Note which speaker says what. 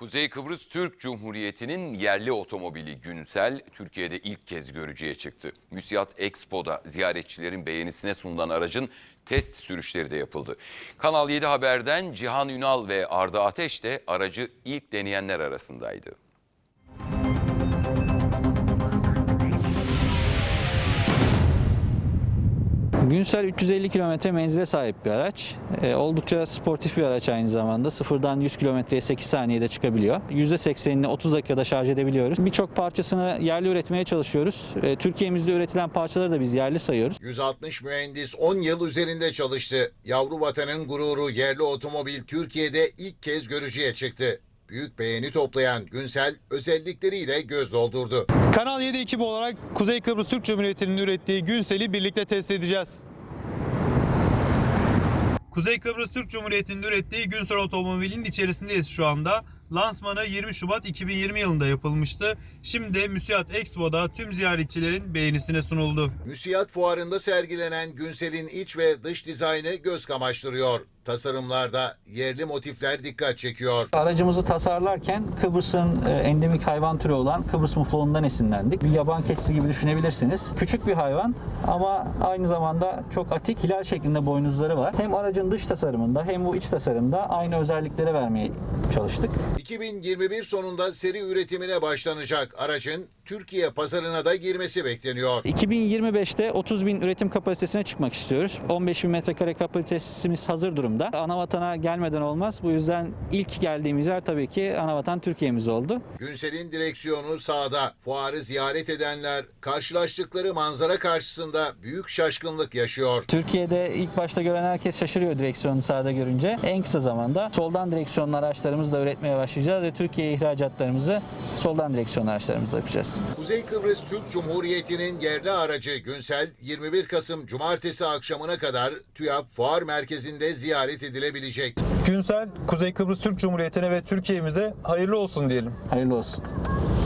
Speaker 1: Kuzey Kıbrıs Türk Cumhuriyeti'nin yerli otomobili Günsel, Türkiye'de ilk kez görücüye çıktı. Müsiyat Expo'da ziyaretçilerin beğenisine sunulan aracın test sürüşleri de yapıldı. Kanal 7 Haber'den Cihan Ünal ve Arda Ateş de aracı ilk deneyenler arasındaydı.
Speaker 2: Günsel 350 kilometre menzile sahip bir araç. Oldukça sportif bir araç aynı zamanda. Sıfırdan 100 kilometreye 8 saniyede çıkabiliyor. %80'ini 30 dakikada şarj edebiliyoruz. Birçok parçasını yerli üretmeye çalışıyoruz. Türkiye'mizde üretilen parçaları da biz yerli sayıyoruz.
Speaker 3: 160 mühendis 10 yıl üzerinde çalıştı. Yavru vatanın gururu yerli otomobil Türkiye'de ilk kez görücüye çıktı. Büyük beğeni toplayan Günsel özellikleriyle göz doldurdu.
Speaker 4: Kanal 7 ekibi olarak Kuzey Kıbrıs Türk Cumhuriyeti'nin ürettiği Günsel'i birlikte test edeceğiz. Kuzey Kıbrıs Türk Cumhuriyeti'nin ürettiği Günsel otomobilin içerisindeyiz şu anda. Lansmanı 20 Şubat 2020 yılında yapılmıştı. Şimdi de Müsiyat Expo'da tüm ziyaretçilerin beğenisine sunuldu.
Speaker 3: Müsiyat fuarında sergilenen Günsel'in iç ve dış dizaynı göz kamaştırıyor. Tasarımlarda yerli motifler dikkat çekiyor.
Speaker 2: Aracımızı tasarlarken Kıbrıs'ın endemik hayvan türü olan Kıbrıs muflonundan esinlendik. Bir yaban keçisi gibi düşünebilirsiniz. Küçük bir hayvan ama aynı zamanda çok atik, hilal şeklinde boynuzları var. Hem aracın dış tasarımında hem bu iç tasarımda aynı özellikleri vermeye çalıştık.
Speaker 3: 2021 sonunda seri üretimine başlanacak aracın Türkiye pazarına da girmesi bekleniyor.
Speaker 2: 2025'te 30 bin üretim kapasitesine çıkmak istiyoruz. 15 bin metrekare kapasitemiz hazır durumda. Anavatana gelmeden olmaz. Bu yüzden ilk geldiğimiz yer tabii ki Anavatan Türkiye'miz oldu.
Speaker 3: Günsel'in direksiyonu sağda. Fuarı ziyaret edenler karşılaştıkları manzara karşısında büyük şaşkınlık yaşıyor.
Speaker 2: Türkiye'de ilk başta gören herkes şaşırıyor direksiyonu sağda görünce. En kısa zamanda soldan direksiyonlu araçlarımızla üretmeye başlayacağız ve Türkiye ihracatlarımızı soldan direksiyonlu araçlarımızla yapacağız.
Speaker 3: Kuzey Kıbrıs Türk Cumhuriyeti'nin yerli aracı Günsel 21 Kasım Cumartesi akşamına kadar TÜYAP Fuar Merkezi'nde ziyaret edilebilecek.
Speaker 4: Günsel, Kuzey Kıbrıs Türk Cumhuriyeti'ne ve Türkiye'mize hayırlı olsun diyelim.
Speaker 2: Hayırlı olsun.